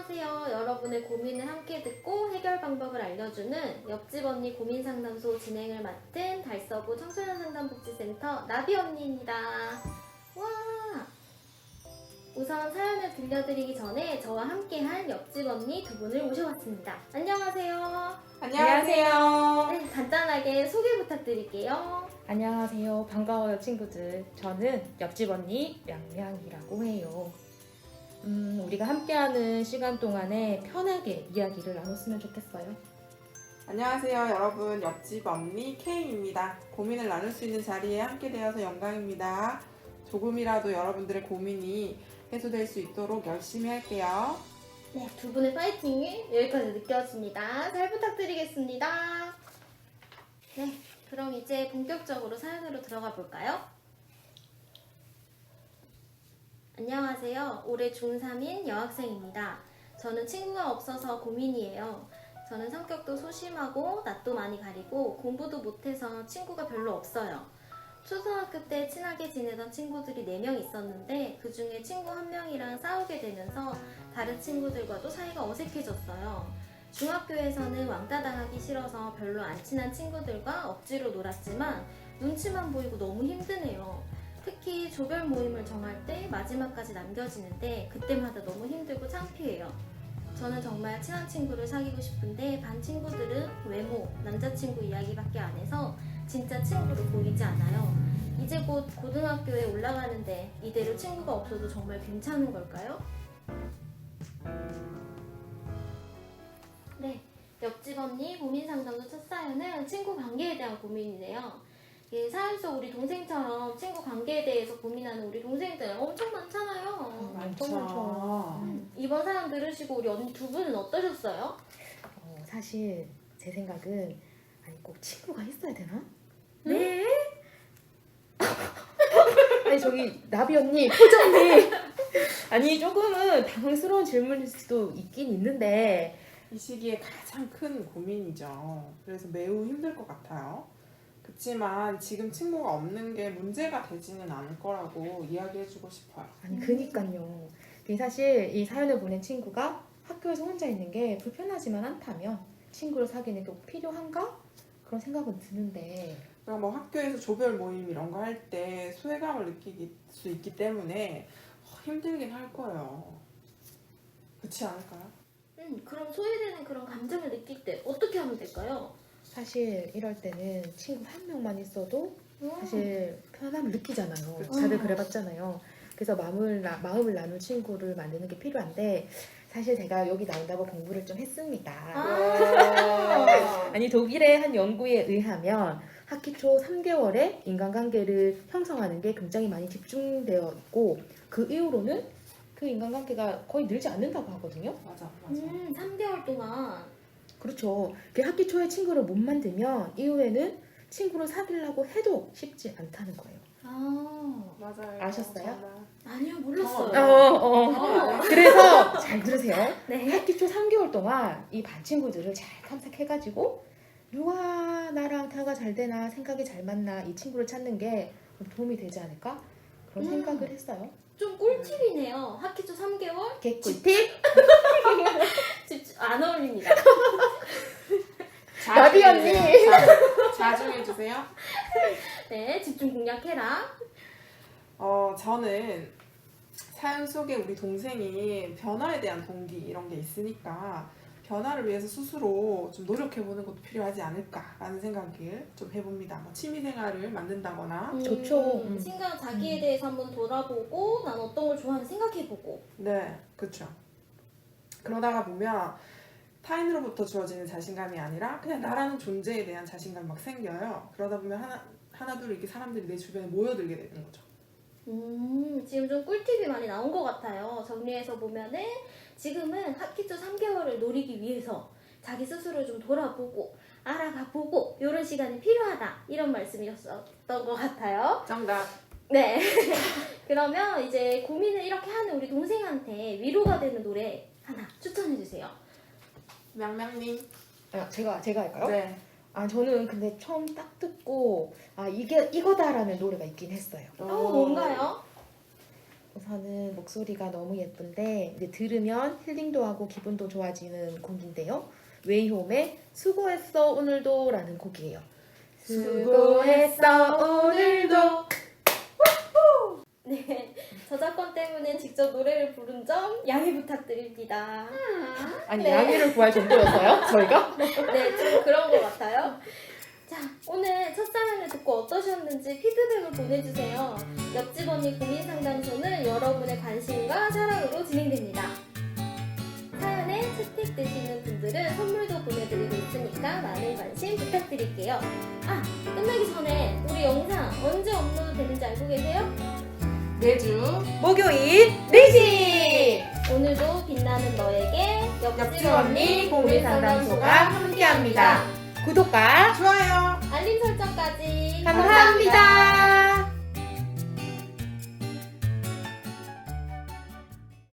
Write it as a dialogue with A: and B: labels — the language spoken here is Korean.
A: 안녕하세요. 여러분의 고민을 함께 듣고 해결 방법을 알려주는 옆집 언니 고민 상담소 진행을 맡은 달서구 청소년 상담복지센터 나비 언니입니다. 와! 우선 사연을 들려드리기 전에 저와 함께한 옆집 언니 두 분을 모셔봤습니다. 안녕하세요.
B: 안녕하세요.
A: 네, 간단하게 소개 부탁드릴게요.
B: 안녕하세요. 반가워요, 친구들. 저는 옆집 언니 량량이라고 해요. 우리가 함께하는 시간 동안에 편하게 이야기를 나눴으면 좋겠어요.
C: 안녕하세요 여러분, 옆집 언니 K입니다. 고민을 나눌 수 있는 자리에 함께 되어서 영광입니다. 조금이라도 여러분들의 고민이 해소될 수 있도록 열심히 할게요.
A: 네, 두 분의 파이팅이 여기까지 느껴집니다. 잘 부탁드리겠습니다. 네, 그럼 이제 본격적으로 사연으로 들어가 볼까요? 안녕하세요. 올해 중3인 여학생입니다. 저는 친구가 없어서 고민이에요. 저는 성격도 소심하고 낯도 많이 가리고 공부도 못해서 친구가 별로 없어요. 초등학교 때 친하게 지내던 친구들이 4명 있었는데 그 중에 친구 1명이랑 싸우게 되면서 다른 친구들과도 사이가 어색해졌어요. 중학교에서는 왕따 당하기 싫어서 별로 안 친한 친구들과 억지로 놀았지만 눈치만 보이고 너무 힘드네요. 특히 조별 모임을 정할 때 마지막까지 남겨지는데 그때마다 너무 힘들고 창피해요. 저는 정말 친한 친구를 사귀고 싶은데 반 친구들은 외모, 남자친구 이야기밖에 안 해서 진짜 친구로 보이지 않아요. 이제 곧 고등학교에 올라가는데 이대로 친구가 없어도 정말 괜찮은 걸까요? 네, 옆집 언니 고민 상담소 첫 사연은 친구 관계에 대한 고민이네요. 사연 속 우리 동생처럼 친구 관계에 대해서 고민하는 우리 동생들 엄청 많잖아요.
B: 많죠.
A: 이번 사연 들으시고 우리 언니 두 분은 어떠셨어요?
B: 사실 제 생각은 아니 꼭 친구가 있어야 되나?
A: 네?
B: 아니 저기 나비 언니 표정이 아니 조금은 당황스러운 질문일 수도 있긴 있는데
C: 이 시기에 가장 큰 고민이죠. 그래서 매우 힘들 것 같아요. 그렇지만 지금 친구가 없는 게 문제가 되지는 않을 거라고 이야기해주고 싶어요.
B: 아니 그니까요. 사실 이 사연을 보낸 친구가 학교에서 혼자 있는 게 불편하지만 않다면 친구를 사귀는 게 필요한가? 그런 생각은 드는데
C: 그러니까 뭐 학교에서 조별 모임 이런 거 할 때 소외감을 느낄 수 있기 때문에 힘들긴 할 거예요. 그렇지 않을까요?
A: 그럼 소외되는 그런 감정을 느낄 때 어떻게 하면 될까요?
B: 사실 이럴 때는 친구 한 명만 있어도 사실 편함을 느끼잖아요.
C: 그쵸.
B: 다들 그래봤잖아요. 그래서 마음을 나눌 친구를 만드는 게 필요한데 사실 제가 여기 나온다고 공부를 좀 했습니다. 아니 독일의 한 연구에 의하면 학기 초 3개월에 인간관계를 형성하는 게 굉장히 많이 집중되어 있고 그 이후로는 그 인간관계가 거의 늘지 않는다고 하거든요.
C: 맞아.
A: 3개월 동안
B: 그렇죠. 그 학기 초에 친구를 못 만들면 이후에는 친구를 사귀려고 해도 쉽지 않다는 거예요.
C: 맞아요.
B: 아셨어요?
C: 정말.
A: 아니요, 몰랐어요.
B: 그래서 잘 들으세요.
A: 네.
B: 학기 초 3개월 동안 이 반 친구들을 잘 탐색해가지고 누가 나랑 대화가 잘 되나 생각이 잘 맞나 이 친구를 찾는 게 도움이 되지 않을까? 그런 생각을 했어요.
A: 좀 꿀팁이네요. 학기 초 3개월?
B: 개꿀팁?
A: 안 어울립니다.
B: 나비 언니!
C: 자중해주세요.
A: 네, 집중 공략해라.
C: 저는 사연 속에 우리 동생이 변화에 대한 동기 이런 게 있으니까 변화를 위해서 스스로 좀 노력해보는 것도 필요하지 않을까라는 생각을 좀 해봅니다. 뭐 취미생활을 만든다거나
B: 좋죠.
A: 친구가 자기에 대해서 한번 돌아보고 난 어떤 걸 좋아하는지 생각해보고.
C: 네, 그렇죠. 그러다가 보면 타인으로부터 주어지는 자신감이 아니라 그냥 나라는 존재에 대한 자신감이 막 생겨요. 그러다 보면 하나둘 이렇게 사람들이 내 주변에 모여들게 되는 거죠.
A: 지금 좀 꿀팁이 많이 나온 것 같아요. 정리해서 보면은 지금은 학기 초 3개월을 노리기 위해서 자기 스스로 좀 돌아보고 알아가보고 이런 시간이 필요하다 이런 말씀이셨던 것 같아요.
C: 정답.
A: 네. 그러면 이제 고민을 이렇게 하는 우리 동생한테 위로가 되는 노래 하나 추천해주세요.
C: 명명님.
B: 제가 할까요?
C: 네.
B: 저는 근데 처음 딱 듣고 이게 이거다라는 노래가 있긴 했어요.
A: 뭔가요?
B: 우선은 목소리가 너무 예쁜데 이제 들으면 힐링도 하고 기분도 좋아지는 곡인데요. 웨이홈의 수고했어 오늘도 라는 곡이에요. 수고했어 오늘도.
A: 네, 저작권 때문에 직접 노래를 부른 점 양해 부탁드립니다.
B: 아니
A: 네.
B: 양해를 구할 정도였어요? 저희가?
A: 네, 좀 그런 것 같아요. 자, 오늘 첫 사연을 듣고 어떠셨는지 피드백을 보내주세요. 옆집 언니 고민 상담소는 여러분의 관심과 사랑으로 진행됩니다. 사연에 채택되시는 분들은 선물도 보내드리고 있으니까 많은 관심 부탁드릴게요. 아, 끝나기 전에 우리 영상 언제 업로드 되는지 알고 계세요?
C: 매주
B: 목요일 4시
A: 오늘도 빛나는 너에게
C: 옆집 언니 고민 상담소가 함께합니다.
B: 구독과
C: 좋아요.
A: 알림 설정까지
B: 감사합니다.